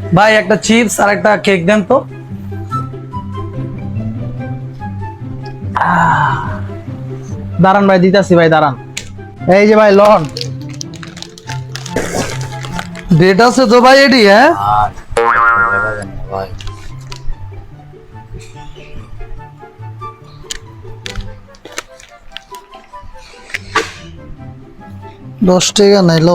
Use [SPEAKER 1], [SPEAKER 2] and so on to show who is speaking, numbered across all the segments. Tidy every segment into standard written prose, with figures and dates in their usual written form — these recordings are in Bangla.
[SPEAKER 1] ভাই একটা চিপস আর একটা কেক দেন তো।
[SPEAKER 2] দাঁড়ান ভাই, দিতাছি ভাই, দাঁড়ান। এই যে ভাই লন।
[SPEAKER 1] ডেট আছে তো ভাই এটি? হ্যাঁ
[SPEAKER 3] ভাই
[SPEAKER 1] 10 টাকা নাইলো।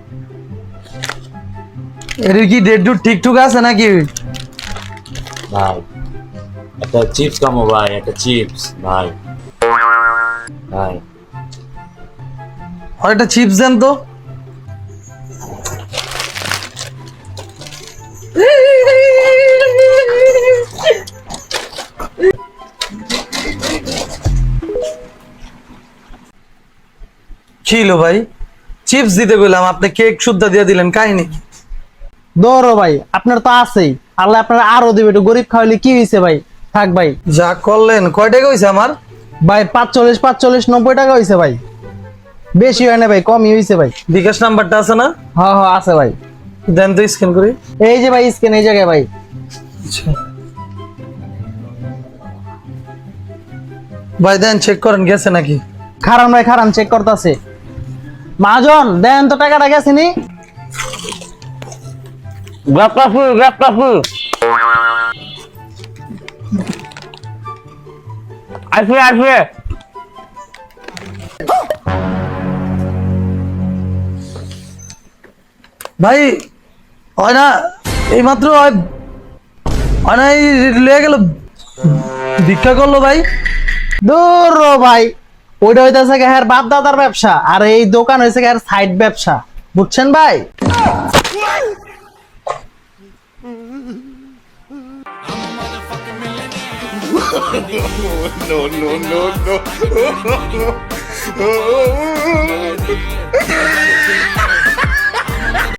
[SPEAKER 1] এর কি ডেট ডুট ঠিকঠাক আছে নাকি?
[SPEAKER 3] ভাই একটা চিপস কামো ভাই, একটা চিপস ভাই। ভাই
[SPEAKER 1] আর একটা চিপস দেন তো। ছিল ভাই, চিপস দিতে বললাম, আপনি কেক সুদ্ধা দিয়ে দিলেন, কাহিনী কি?
[SPEAKER 2] দৌড়ো ভাই, আপনার তো আছেই, আল্লাহ আপনার আরো দিবে। একটু গরিব খাওয়াইলে কি হয়েছে ভাই, থাক ভাই।
[SPEAKER 1] যা করলেন, কয় টাকা হয়েছে আমার?
[SPEAKER 2] ভাই 45 90 টাকা হয়েছে ভাই, বেশি হয় না ভাই, কমই হয়েছে ভাই।
[SPEAKER 1] বিকাশ নাম্বারটা আছে না?
[SPEAKER 2] হ্যাঁ হ্যাঁ আছে ভাই।
[SPEAKER 1] দেন তো স্ক্যান করি।
[SPEAKER 2] এই যে ভাই স্ক্যান এই জায়গায় ভাই।
[SPEAKER 1] ভাই দেন, চেক করেন গেছে নাকি।
[SPEAKER 2] খারান ভাই খারান, চেক করতেছে। মাজন দেন তো, টাকাটা গেছে নি? আসবে আসবে।
[SPEAKER 1] ভাই হয় না, এই মাত্র হয় না, এই লেগে গেল, ভিক্ষা করলো ভাই।
[SPEAKER 2] দূর ভাই, ওইটা হইতেছে হ্যাঁ বাপ দাদার ব্যবসা, আর এই দোকান হয়েছে হ্যাঁ সাইড ব্যবসা, বুঝছেন ভাই?
[SPEAKER 4] No, no, no, no.